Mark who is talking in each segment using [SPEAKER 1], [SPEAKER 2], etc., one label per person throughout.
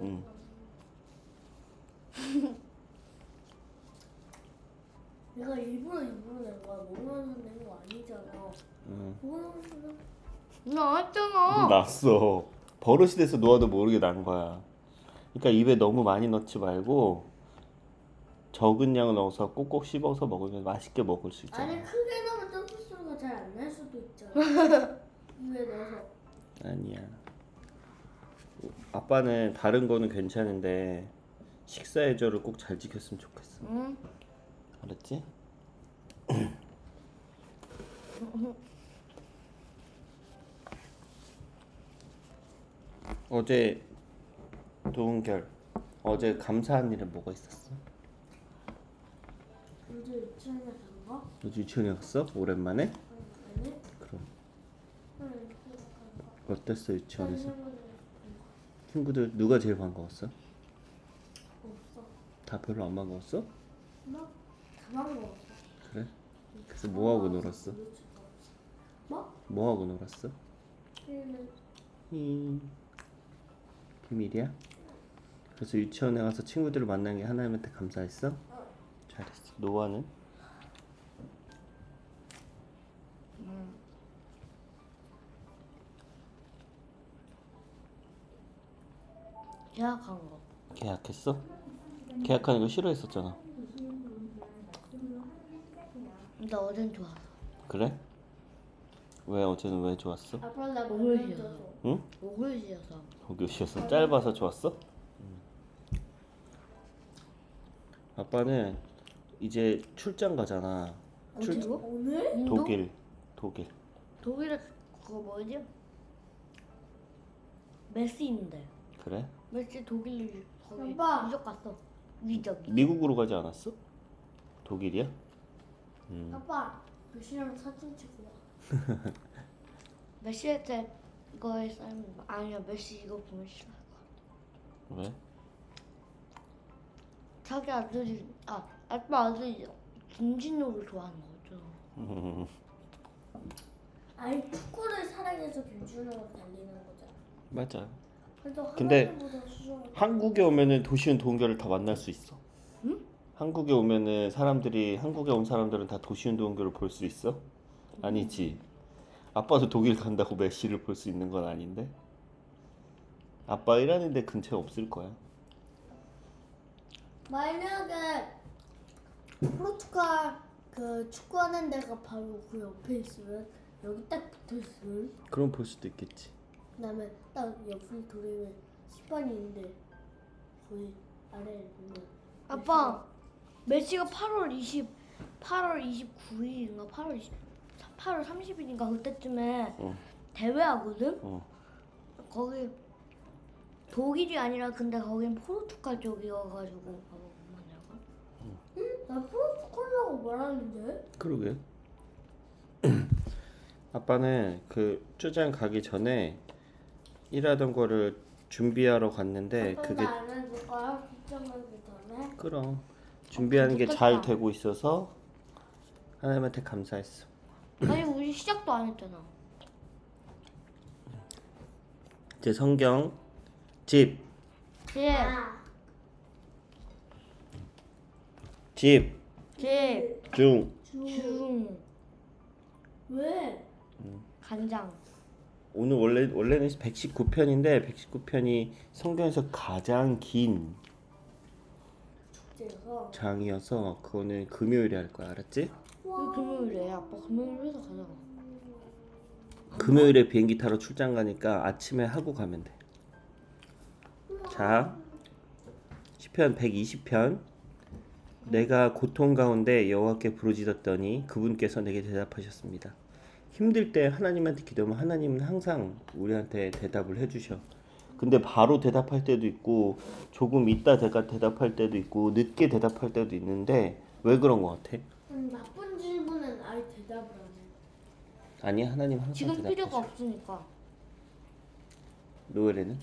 [SPEAKER 1] 응.
[SPEAKER 2] 내가 일부러 낸 거야. 모르면서 낸 거 아니잖아.
[SPEAKER 1] 응.
[SPEAKER 2] 모르면서
[SPEAKER 3] 나왔잖아.
[SPEAKER 1] 났어. 버릇이 돼서 놓아도 모르게 난 거야. 그러니까 입에 너무 많이 넣지 말고 적은 양을 넣어서 꼭꼭 씹어서 먹으면 맛있게 먹을 수 있잖아.
[SPEAKER 2] 아니 크게 넣으면 점프 소리가 잘 안 날 수도 있잖아. 입에 넣어서.
[SPEAKER 1] 아니야. 아빠는 다른 거는 괜찮은데 식사 예절을 꼭 잘 지켰으면 좋겠어.
[SPEAKER 3] 응.
[SPEAKER 1] 알았지? 어제 도은결 어제 감사한 일은 뭐가 있었어?
[SPEAKER 2] 요즘 유치원에 간 거?
[SPEAKER 1] 어제 유치원에 갔어? 오랜만에?
[SPEAKER 2] 아니?
[SPEAKER 1] 그럼
[SPEAKER 2] 응, 간 거.
[SPEAKER 1] 어땠어 유치원에서?
[SPEAKER 2] 친구들
[SPEAKER 1] 친구들 누가 제일 반가웠어?
[SPEAKER 2] 없어.
[SPEAKER 1] 다 별로 안 반가웠어?
[SPEAKER 2] 뭐? 가방 먹었어.
[SPEAKER 1] 그래? 그래서 뭐 하고 놀았어?
[SPEAKER 2] 뭐?
[SPEAKER 1] 뭐 하고 놀았어? 비밀이야? 그래서 유치원에 가서 친구들을 만난 게 하나님한테 감사했어? 잘했어. 노아는?
[SPEAKER 3] 계약한 거.
[SPEAKER 1] 계약했어? 계약하는 거 싫어했었잖아.
[SPEAKER 3] 근데 어젠 좋았어.
[SPEAKER 1] 그래? 왜 어제는 왜 좋았어?
[SPEAKER 2] 아빠 나
[SPEAKER 3] 목을
[SPEAKER 2] 만져줘.
[SPEAKER 3] 쥐어서.
[SPEAKER 1] 응?
[SPEAKER 3] 목을 쥐어서.
[SPEAKER 1] 거기 오셔서 짧아서 좋았어? 아빠는 이제 출장 가잖아.
[SPEAKER 3] 어디로?
[SPEAKER 2] 오늘?
[SPEAKER 3] 인도?
[SPEAKER 1] 독일.
[SPEAKER 3] 독일에 그거 뭐지? 메시 있는데.
[SPEAKER 1] 그래?
[SPEAKER 3] 메시 독일 거기
[SPEAKER 2] 아빠.
[SPEAKER 3] 유적 갔어. 유적.
[SPEAKER 1] 미국으로 가지 않았어? 독일이야?
[SPEAKER 2] 아빠 글씨랑 사진 찍고 와.
[SPEAKER 3] 메시한테 이거에 쌓이면 아니야 메시 이거 보면 싫어할 거야.
[SPEAKER 1] 왜?
[SPEAKER 3] 자기 아들이 아빠 아들이 김진호를 좋아하는 거죠.
[SPEAKER 2] 아니 축구를 사랑해서 김준호가 달리는 거잖아.
[SPEAKER 1] 맞아.
[SPEAKER 2] 그래도
[SPEAKER 1] 근데
[SPEAKER 2] 하나님보다 수정을
[SPEAKER 1] 한국에 오면은 도시훈 도은결을 다 만날 수 있어.
[SPEAKER 3] 응?
[SPEAKER 1] 한국에 오면은 한국에 온 사람들은 다 도시훈 도은결을 볼 수 있어? 아니지. 아빠도 독일 간다고 메시를 볼 수 있는 건 아닌데. 아빠 일하는 데 근처에 없을 거야.
[SPEAKER 2] 만약에 포르투갈 그 축구하는 데가 바로 그 옆에 있으면 여기 딱 붙어 있으면
[SPEAKER 1] 그럼 볼 수도 있겠지.
[SPEAKER 2] 그다음에 딱 옆을 돌리면 시판이 있는데 거기 아래에 보면
[SPEAKER 3] 아빠 메시가 8월 29일인가 8월 30일인가 그때쯤에
[SPEAKER 1] 어.
[SPEAKER 3] 대회하거든.
[SPEAKER 1] 어.
[SPEAKER 3] 거기 독일이 아니라 근데 거긴 포르투갈 쪽이어가지고 봐봐 내가.
[SPEAKER 2] 나 포르투갈이라고 말하는데
[SPEAKER 1] 그러게. 아빠는 그 출장 가기 전에 일하던 거를 준비하러 갔는데
[SPEAKER 2] 아빠
[SPEAKER 1] 그게
[SPEAKER 2] 나안 해줄 거야? 걱정하기 전에
[SPEAKER 1] 그럼 준비하는 게 잘
[SPEAKER 3] 좋겠다.
[SPEAKER 1] 되고 있어서 하나님한테 감사했어.
[SPEAKER 3] 아니 우리 시작도 안 했잖아.
[SPEAKER 1] 이제 성경 집,
[SPEAKER 3] 집,
[SPEAKER 1] 집,
[SPEAKER 3] 집,
[SPEAKER 1] 중.
[SPEAKER 3] 중,
[SPEAKER 2] 왜?
[SPEAKER 3] 간장.
[SPEAKER 1] 오늘 원래는 119편인데 119편이 성경에서 가장 긴
[SPEAKER 2] 축제에서
[SPEAKER 1] 장이어서 그거는 금요일에 할 거야. 알았지?
[SPEAKER 3] 왜 금요일에 아빠 금요일 회사 가자.
[SPEAKER 1] 금요일에 비행기 타러 출장 가니까 아침에 하고 가면 돼. 자, 시편 120편. 내가 고통 가운데 여호와께 부르짖었더니 그분께서 내게 대답하셨습니다. 힘들 때 하나님한테 기도하면 하나님은 항상 우리한테 대답을 해주셔. 근데 바로 대답할 때도 있고 조금 있다 대답할 때도 있고 늦게 대답할 때도 있는데 왜 그런 거 같아?
[SPEAKER 2] 나쁜 질문은 아예 대답을 안 해.
[SPEAKER 1] 아니 하나님 항상
[SPEAKER 3] 지금 필요가
[SPEAKER 1] 대답하셔.
[SPEAKER 3] 없으니까.
[SPEAKER 1] 노엘에는?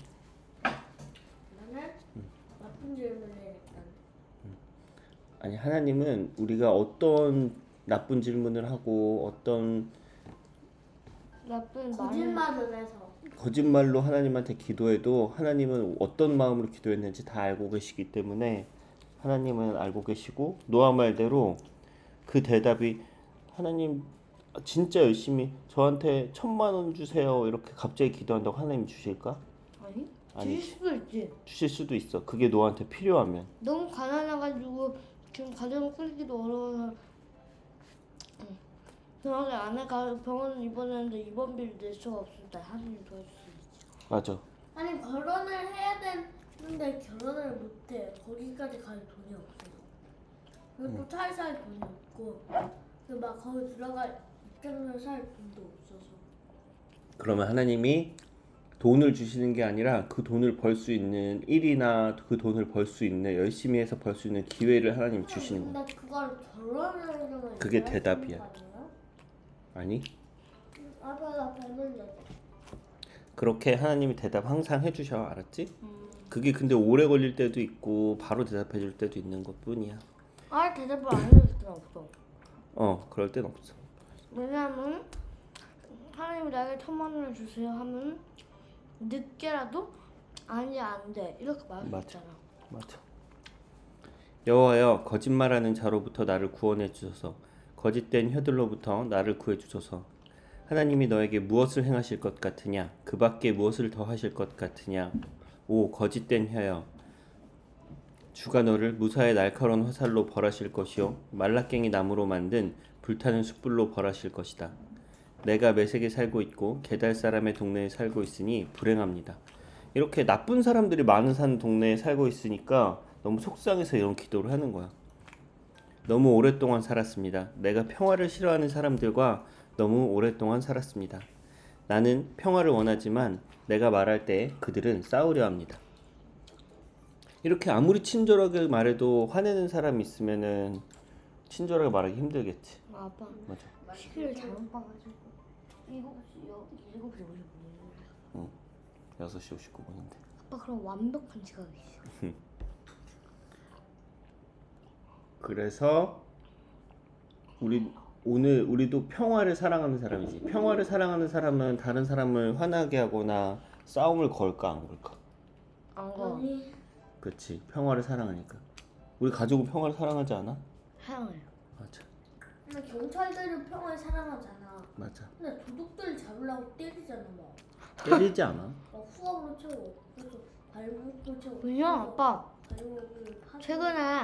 [SPEAKER 2] 나는 나쁜 질문을 약간
[SPEAKER 1] 아니 하나님은 우리가 어떤 나쁜 질문을 하고 어떤
[SPEAKER 3] 나쁜 말을
[SPEAKER 2] 거짓말을 해서
[SPEAKER 1] 거짓말로 하나님한테 기도해도 하나님은 어떤 마음으로 기도했는지 다 알고 계시기 때문에 하나님은 알고 계시고 노아 말대로 그 대답이 하나님 진짜 열심히 저한테 1,000만 원 주세요 이렇게 갑자기 기도한다고 하나님 주실까?
[SPEAKER 3] 아니?
[SPEAKER 1] 아니지.
[SPEAKER 3] 주실 수도 있지.
[SPEAKER 1] 주실 수도 있어. 그게 너한테 필요하면.
[SPEAKER 3] 너무 가난해가지고 지금 가정을 꾸리기도 어려워서 병원에 아내가 병원 입원했는데 입원비를 낼 수가 없을 때 하나님 도와줄 수 있지.
[SPEAKER 1] 맞아.
[SPEAKER 2] 아니 결혼을 해야 되는데 결혼을 못해. 거기까지 갈 돈이 없어. 그리고 또 차에 살 돈이 없고 그리고 막 거기 들어갈 입장료 살 돈도 없어서.
[SPEAKER 1] 그러면 하나님이 돈을 주시는 게 아니라 그 돈을 벌 수 있는 일이나 그 돈을 벌 수 있는 열심히 해서 벌 수 있는 기회를 하나님 주시는 거야.
[SPEAKER 2] 근데 그걸 결혼을
[SPEAKER 1] 그게 대답이야. 아니?
[SPEAKER 2] 아빠가 닮은데.
[SPEAKER 1] 그렇게 하나님이 대답 항상 해주셔. 알았지? 그게 근데 오래 걸릴 때도 있고 바로 대답해 줄 때도 있는 것뿐이야.
[SPEAKER 3] 아 대답을 안 해줄 수는 없어.
[SPEAKER 1] 그럴 땐 없어.
[SPEAKER 3] 왜냐면 하나님이 나에게 1,000만 원을 주세요 하면 늦게라도 아니 안 돼 이렇게 말할 수
[SPEAKER 1] 맞아.
[SPEAKER 3] 있잖아.
[SPEAKER 1] 맞아. 여호와여 거짓말하는 자로부터 나를 구원해 주소서. 거짓된 혀들로부터 나를 구해 주소서. 하나님이 너에게 무엇을 행하실 것 같으냐? 그 밖에 무엇을 더 하실 것 같으냐? 오 거짓된 혀여, 주가 너를 무사의 날카로운 화살로 벌하실 것이요 말라깽이 나무로 만든 불타는 숯불로 벌하실 것이다. 내가 메색에 살고 있고 게달 사람의 동네에 살고 있으니 불행합니다. 이렇게 나쁜 사람들이 많은 사는 동네에 살고 있으니까 너무 속상해서 이런 기도를 하는 거야. 너무 오랫동안 살았습니다. 내가 평화를 싫어하는 사람들과 너무 오랫동안 살았습니다. 나는 평화를 원하지만 내가 말할 때 그들은 싸우려 합니다. 이렇게 아무리 친절하게 말해도 화내는 사람이 있으면은 친절하게 말하기 힘들겠지.
[SPEAKER 3] 아빠
[SPEAKER 1] 맞아.
[SPEAKER 3] 시계를 잘못 봐가지고 7시 59분.
[SPEAKER 1] 6시 59분인데.
[SPEAKER 3] 아빠 그럼 완벽한 지각이 있어.
[SPEAKER 1] 그래서 우리도 평화를 사랑하는 사람이지. 평화를 사랑하는 사람은 다른 사람을 화나게 하거나 싸움을 걸까 안 걸까?
[SPEAKER 3] 안 거.
[SPEAKER 2] 아니
[SPEAKER 1] 그렇지. 평화를 사랑하니까. 우리 가족은 평화를 사랑하지 않아?
[SPEAKER 3] 사랑해요.
[SPEAKER 1] 맞아.
[SPEAKER 2] 근데 경찰들은 평화를 사랑하잖아.
[SPEAKER 1] 맞아.
[SPEAKER 2] 근데 도둑들 잡으려고 때리잖아 막.
[SPEAKER 1] 때리지 않아?
[SPEAKER 2] 막 후압으로 채워. 그래서 발목도 채워.
[SPEAKER 3] 왜냐 아빠
[SPEAKER 2] 발목을 파.
[SPEAKER 3] 최근에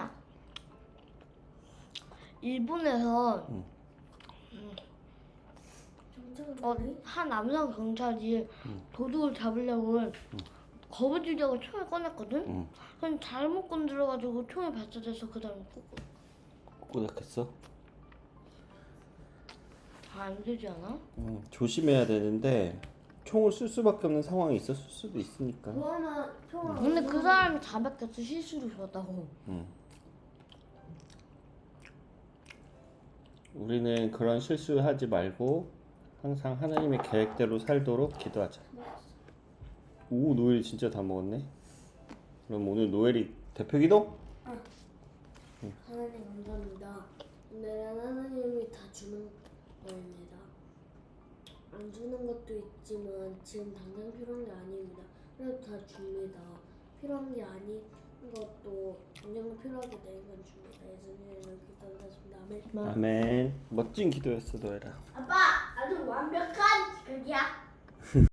[SPEAKER 3] 일본에서
[SPEAKER 2] 경찰들이
[SPEAKER 3] 한 남성 경찰이 도둑을 잡으려고 거부주려고 총을 꺼냈거든?
[SPEAKER 1] 응.
[SPEAKER 3] 그럼 잘못 건드려가지고 총이 발사돼서 그 다음에
[SPEAKER 1] 꼬닥했어?
[SPEAKER 3] 안 되지 않아?
[SPEAKER 1] 조심해야 되는데 총을 쓸 수밖에 없는 상황이 있었을 수도 있으니까.
[SPEAKER 2] 그거는 평화.
[SPEAKER 3] 근데 그 사람이 자백해서 실수로 줬다고.
[SPEAKER 1] 우리는 그런 실수하지 말고 항상 하나님의 계획대로 살도록 기도하자. 오, 노엘이 진짜 다 먹었네. 그럼 오늘 노엘이 대표 기도?
[SPEAKER 2] 하나님 감사합니다. 오늘은 하나님이 다 주는 거입니다. 안 주는 것도 있지만 지금 당장 필요한 게 아닙니다. 그래도 다 줍니다. 필요한 게 아닌 것도 당장 필요하게 되는 건 줍니다. 예수님의 이름으로 기도드렸습니다. 아멘.
[SPEAKER 1] 아멘. 멋진 기도였어, 노엘아.
[SPEAKER 2] 아빠, 아주 완벽한 지각이야.